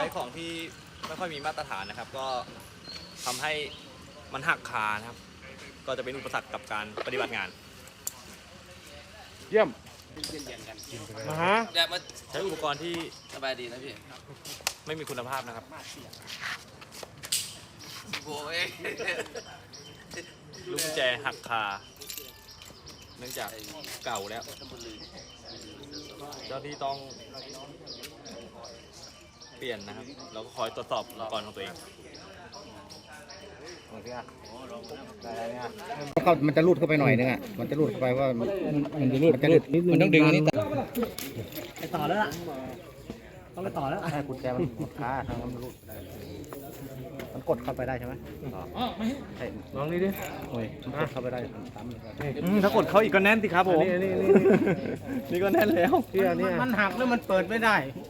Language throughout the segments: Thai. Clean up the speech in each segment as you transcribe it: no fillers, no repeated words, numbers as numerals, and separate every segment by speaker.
Speaker 1: ช้ของที่ไม่ค่อยมีมาตรฐานนะครับ ก็ทำให้มันหักคานะครับ ก็จะเป็นอุปสรรคกับการปฏิบัติงาน
Speaker 2: เยี่ยมมาฮะ
Speaker 3: อยากมา
Speaker 1: ใช้อุปกรณ์ที่
Speaker 3: สบายดีนะพี่
Speaker 1: ไม่มีคุณภาพนะครับ
Speaker 3: โอ้ย
Speaker 1: ลูกกุญแจหักคา เนื่องจากเก่าแล้ว เจ้าที่ต้องเปลี่ยนนะครับ แล้วก็คอยตรวจสอบอุปกรณ์ของตัวเอง
Speaker 4: มันจะรูดเข้าไปหน่อยนึงอ่ะ มันจะรูดเข้าไปว่ามันจะรูดมันต้องดึงอันนี้ไปต่อแล้วล่ะ ต้องไปต่อแล้วใช่กุญแจมันกดขาทางมันรูดได้มันกดเข้าไปได้ใช่ไหมใช่
Speaker 2: ลองนี่ดิ
Speaker 4: โอ้ยมันกดเข้าไปได้ตาม
Speaker 2: ถ้ากดเขาอีกก็แน่นสิครับผมนี่ก็แน่นแล้ว
Speaker 4: มันหักแล้วมันเปิดไม่ได้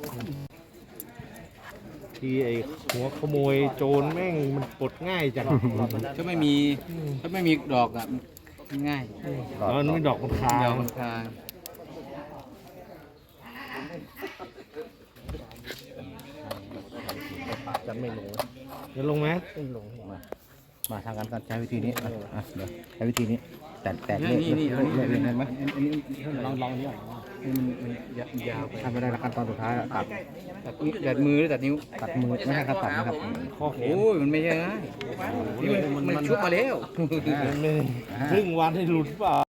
Speaker 2: ที่ไอ้หัวขโมยโจรแม่งมันปลดง่ายจัง
Speaker 5: ถ้าไม่มีดอกอ่ะง่าย
Speaker 2: มันไม่ดอกมันคา
Speaker 5: ดอกมันคา
Speaker 4: จะไม่ลง
Speaker 2: จะลงไหม
Speaker 4: ไม่ลงมาทางการใช้วิธีนี้เดี๋ยวใช้วิธีนี้แต่เลื่อนได้ไหมลองนี้มันยาวไปทำไม่ได้ละขั้นตอนสุดท้ายตัดมือหรือตัดนิ้วตัดมือไม่ใช่ครับตัดนะครับ
Speaker 2: ข้อแข
Speaker 5: โอ้
Speaker 2: น
Speaker 5: ยมันไม่ใช่ง่ายมันชุบมาแล้ว
Speaker 2: ครึ่งวันให้หลุดเปล่า